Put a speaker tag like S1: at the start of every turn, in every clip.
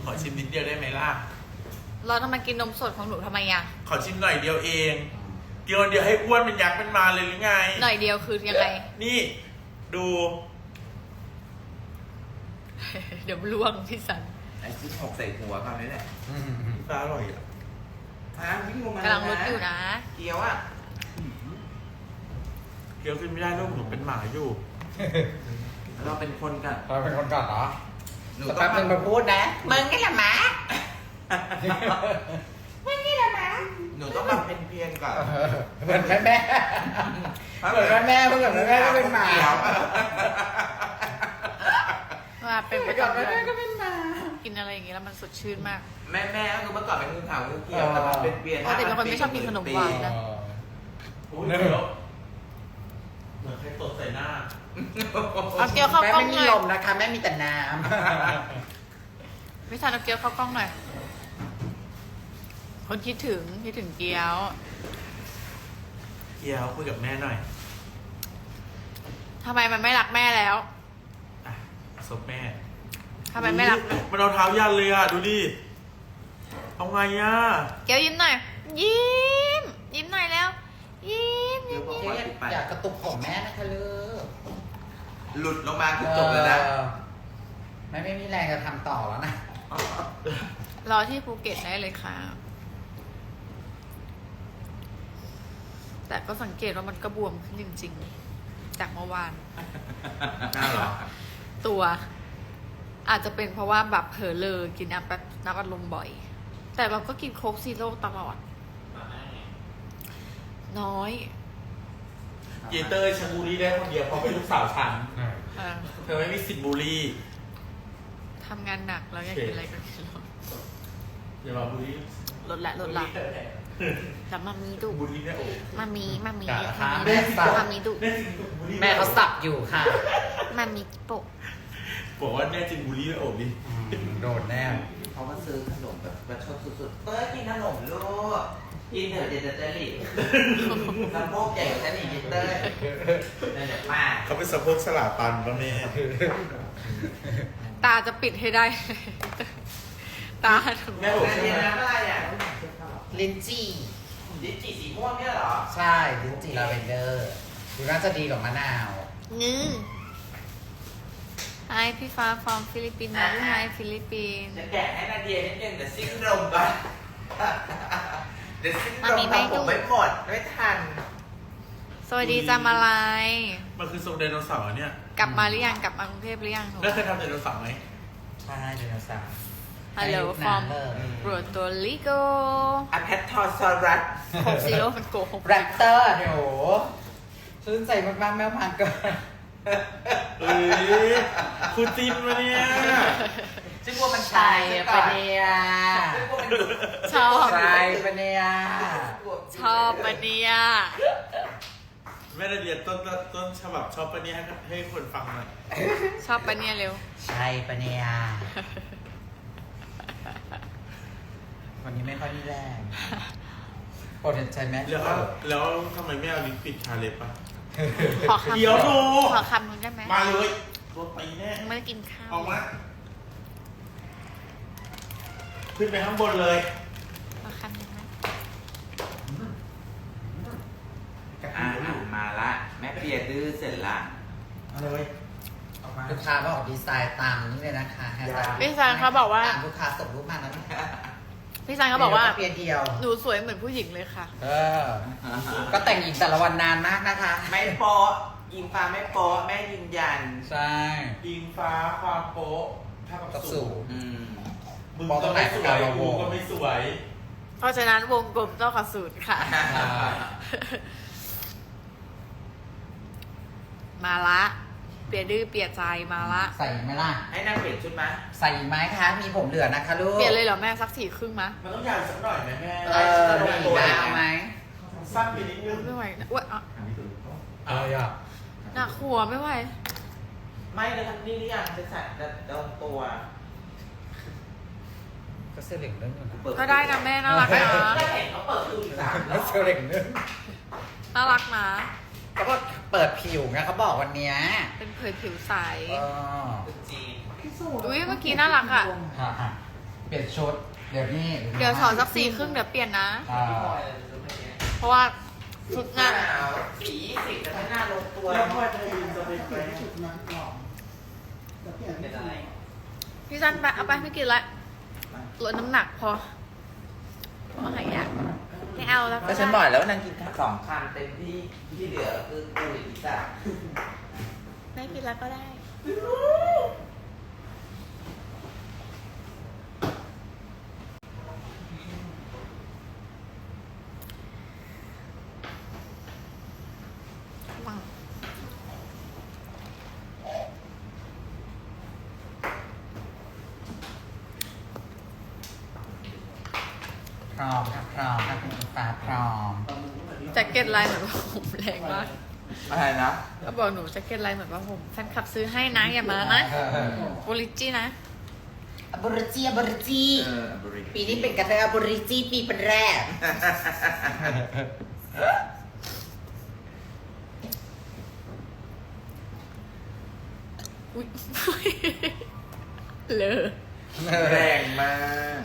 S1: อชิมนิดเดียวได้ไหมล่ะ
S2: เราทำไมกินนมสดของหนูทำไมอ่ะ
S1: ขอชิมหน่อยเดียวเองกินคนเดียวให้อ้วนเป็นยักษ์เป็นมาเลยหรือไง
S2: หน่อยเดียวคือยังไง
S1: นี่ดู
S2: เดี๋ยวล่วงพี่สัน
S3: ไอ้ที่หกใส่หัวคราวนี้แหละ
S1: ปลาอร่อยอ่ะ
S3: วิ่งลงมาก
S2: ำลังลดอยู่นะ
S3: เกี๊ยวอ่ะ
S1: เกี๊ยวกินไม่ได้ลูกหนูเป็นหมาอยู่
S3: เราเป็นคนกัน
S4: เราเป็นคนก่อนเหรอ
S3: หนู
S4: สัก
S3: ต้อ
S4: แป๊
S3: ง
S4: บนึงมาพูดนะ
S3: มึงนี่แหละหมามึงนี่แหละหมาหนูต้องมาเป็นเพียนก่อน
S4: เหมือนแม่เหมือนแม่เพื่อนแม่ก็เป็นหมา
S2: ว่าเป็นประ
S4: ก่อน
S2: จำ
S4: แม่
S2: เดือน
S4: ก็เป็นหมา
S2: กินอะไรอย่างงี้แล้วมันสดชื่นมาก
S3: แม่ก็คือเมื่อก่อนเป็นงูขาวงูเขียวแต่มาเป็นเปลี่ยน
S2: ปกติเป็นคนไม่ชอบกินขนมหวานนะ
S1: โอ้ยเดี๋ยวเหมือนใครตดใส่หน้า
S2: เอาเกี๊ยวเข้ากล้อง
S4: แม่ไม่
S2: ห
S4: มี
S2: น่อย
S4: ลมนะคะแม่มีแต่น้
S2: พี่สันเอาเกี๊ยวเข้ากล้องหน่อย คนคิดถึงเกี๊ยว
S1: เกี๊ยวคุยกับแม่หน่อย
S2: ทำไมมันไม่รักแม่แล้ว
S1: อ่ะซบแม่
S2: ทำไมไม่รัก
S1: มันเอาเท้ายันเลยอ่ะ ดูดิ เอาไงอ่ะ
S2: เกี๊ยวยิ้มหน่อย ยิ้มหน่อยแล้ว ยิ้ม
S3: เดี๋ยวบอกว่าติดไป
S4: ำอยากกระตุกของแม่นะคะลูก
S3: หลุดลงมาคือจบแล้วนะ
S4: แม่ไม่มีแรงจะทำต่อแล้วนะ
S2: รอที่ภูเก็ตได้เลยค่ะ แต่ก็สังเกตว่ามันก็บวมขึ้นจริงๆ จากเมื่อวาน
S1: น่าเหรอ
S2: ตัว อาจจะเป็นเพราะว่าแบบเผลอเลอกินน้ำอัดลมบ่อย แต่เราก็กินโค้กซีโร่ตลอด น้อย
S1: เยเตอร์ฉันบูลลี่ได้คนเดียวเพราะเป็นลูกสาวฉัน
S2: เออ
S1: เธอไม่มีสิทธิ์บูลลี่
S2: ทำงานหนักแล้วอยากกินอะไรก็กิน
S1: อย่ามาบูลลี่
S2: ลดละแต่มามีดุ
S1: บูลลี่แม่โอ๋
S2: มามี
S4: อย่า
S2: มา
S4: ค่ะ
S2: มี
S4: แม่สับ
S2: มามีดุ
S1: แม่จริงบูลลี่
S4: แม่เขาสับอยู่ค่ะ
S2: มามีโปะ
S1: บอกว่าแม่จริงบูลลี่แม่โอ๋ดิ
S4: โดนแน่
S3: เขามาซื้อขนมแบบประชดสุดๆเต้ยกินขนมลูกกินเถอะเดี๋ยวจะหลีกสะโพกใหญ่กว่าฉันอีกนิดเต้ยนั่นแหละป้า
S1: เขาเป็นสะโพกสลาตันป่ะแม่
S2: ตาจะปิดให้ได้ ตาถึง
S1: แม่โอ๋
S3: งานเย็นน้ำอะไรอ่ะ
S4: ลิ้นจี่
S3: ลิ้นจี่สีม่วงเนี่ยเหรอ
S4: ใช่ลิ้นจี่ลาเวนเดอร์ดูน่าจะดีกว่ามะนาว
S2: งื้อไอพี่ฟ้าฟอร์มฟิลิปปินส์นะลูกไอฟิลิปปินส์
S3: จะแกะให้นาเดียนิดนึงเดี๋ยวซิ่งลมก่อนเดี๋ยวซิ่งลมทำผมไม่หมดไม่ทัน
S2: สวัสดีจ้ามาลาย
S1: มันคือทรงไดโนเสาร์เนี่ย
S2: กลับมาหรือยัง กลับมากรุงเทพหรือยังหนู
S1: แล้วเคยทำไดโนเสาร์ไหม
S4: ใช่ไดโนเสาร์
S2: ฮัลโหลฟอร์ม
S4: เออ
S2: โปรโตลิโก
S3: อะแพททอซอรัส
S2: โคกซีโร่มันโกหก
S4: แรปเตอร์เดี๋ยวชื่นใจมากๆแมวพังเกิน
S1: เอ้ยคุณจินมาเนี่ย
S3: ซึ่งว่ามัน
S4: ใช่ปะเนี่ย
S2: ชอบ
S4: ใช่ปะเนี่ย
S2: ชอบปะเนี่ย
S1: แม่นาเดียต้นฉบับชอบปะเนี่ยให้คนฟังหน่อย
S2: ชอบปะเนี่ยเร็ว
S4: ใช่ปะเนี่ยวันนี้ไม่ค่อยมีแรงปวดใจไหม
S1: แล้วทำไมไม่เอาลิ้นปิดชาเล็บอ่ะ
S2: ขอคำ
S1: เดี๋ยวดู
S2: ขอคำนึงได้ไหม
S1: มาเลยตัวตีแน่
S2: ไม่ได้กินข้าว
S1: ออกมาขึ้นไปข้างบนเลย
S2: ขอคำนึงไหม
S3: มาละแม่เปียดื้อเสร็จละ
S1: มาเลย
S4: ลูกค้าก็ออกดีไซน์ตามนี้เลยนะคะ
S2: พี่ซันเขาบอกว่า
S4: ตามลูกค้าส่งรูปมาแล้วนะ
S2: พี่ซันเขาบอกว่า
S4: เพียงเดียว
S2: หนูสวยเหมือนผู้หญิงเลยค่ะ
S4: เออ ก็แต่งหญิงแต่ละวันนานมากนะคะ
S3: ไม่โป๊ะยิงฟ้าไม่โป๊ะแม่ยืนยัน
S4: ใช่
S1: อิงฟ้าความโป๊ะเท่า
S4: กั
S1: กั
S4: บบ สู
S1: สู
S4: ง
S1: ง มึง
S4: มองต
S1: ก็
S4: รงไหน
S1: ไม่สวย
S4: กับเรา
S1: กูก็ไม่สวย
S2: เพราะฉะนั้นวงกลมต้องขอสูตรค่ะ มาละ เปียดื้อเปียใจมาละ
S4: ใส่ไหมล่ะ
S3: ให้นางเปลี่ยนชุดไหม
S4: ใส่ไหมคะ มีผมเหลือนะคะลูก
S2: เปลี่ยนเลยเหรอแม่สักสี่ครึ่งมะ
S1: มันต้องยาวสักหน่อยไหมแม่
S4: เออมีดาวไหม
S1: สั้นไปนิดนึง
S2: ไม่ไหวนะอ้วนอ่ะ
S4: อะไรอ่ะ
S2: หนักหัวไม่ไหว
S3: ไม่เลยทำนี่หรือยังจะใส่โดนตัว
S4: ก็เสื้อเหล็กเรื่องนึง
S2: ก็ได้นะแม่น่ารักนะ
S3: ก็เห็นเขาเปิดดูอีก3ร
S4: แล้
S3: อ
S4: วเสื้อบ เหล็กเรื่อง
S2: น่ารักนะ
S4: ก็บอกเปิดผิวไงเขาบอกวันเนี้ย
S2: เป็นเผยผิวใส
S4: เออ
S3: จีน
S2: อุ้ยเมื่อกี้น่ารักอ่ะ
S4: ฮะเปลี่ยนชุด เดี๋ยวนี้
S2: เดี๋ยวถอดสัก4 ครึ่งเดี๋ยวเปลี่ยนนะ
S4: อ่า
S2: เพราะว่าชุดงาน
S3: สี20จะไม่น่าลงตัว
S1: แล้วพ่อจะยืนจะเป็นไป
S3: เป็นอะไร
S2: พี่จันไปเอาไปไม่กินละลดน้ำหนักพอหายากไม่เอาแล้ว
S3: ก็ฉันบอกแล้วว่านางกิน2 คำเต็มที่ที่เหลือคือกูอีกจ้ะ
S2: ไม่กินแล้วก็ได้ว่าง
S4: พร้อมค่ะพร้อมค่ะคุณฟ้าพร้อม
S2: แจ็คเก็ตลายเหมือนว่าผมแรงมาก
S3: อะไรนะ
S2: ก็บอกหนูแจ็คเก็ตลายเหมือนว่าผมแฟนคลับซื้อให้นะอย่ามานะโบลิจี้นะ
S4: อบริจีอบริจี
S3: บริ
S4: ปีนี้เป็นกระเทยอบริจีปีเป็นแรก
S2: อุ้ย เลอ
S3: แรงมาก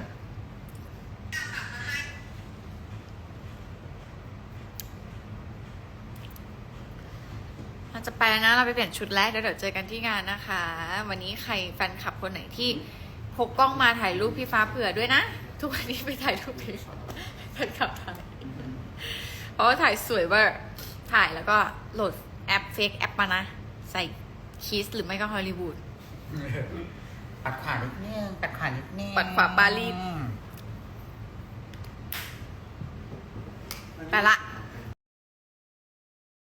S2: เราจะไปแล้วนะเราไปเปลี่ยนชุดแรกแล้วเดี๋ยวเจอกันที่งานนะคะ วันนี้ใครแฟนคลับคนไหนที่พกกล้องมาถ่ายรูปพี่ฟ้าเผื่อด้วยนะ ทุกวันนี้ไปถ่ายรูปพี่แฟนคลับถ่ายเพราะว่าถ่ายสวยเวอร์ถ่ายแล้วก็โหลดแอปเฟกแอปมานะ ใส่คิสหรือไม่ก็ฮอลลีวูด
S4: ปัดขวานิดนึงปัดขวานิดนึง
S2: ปัดขวาปารีส ไปละ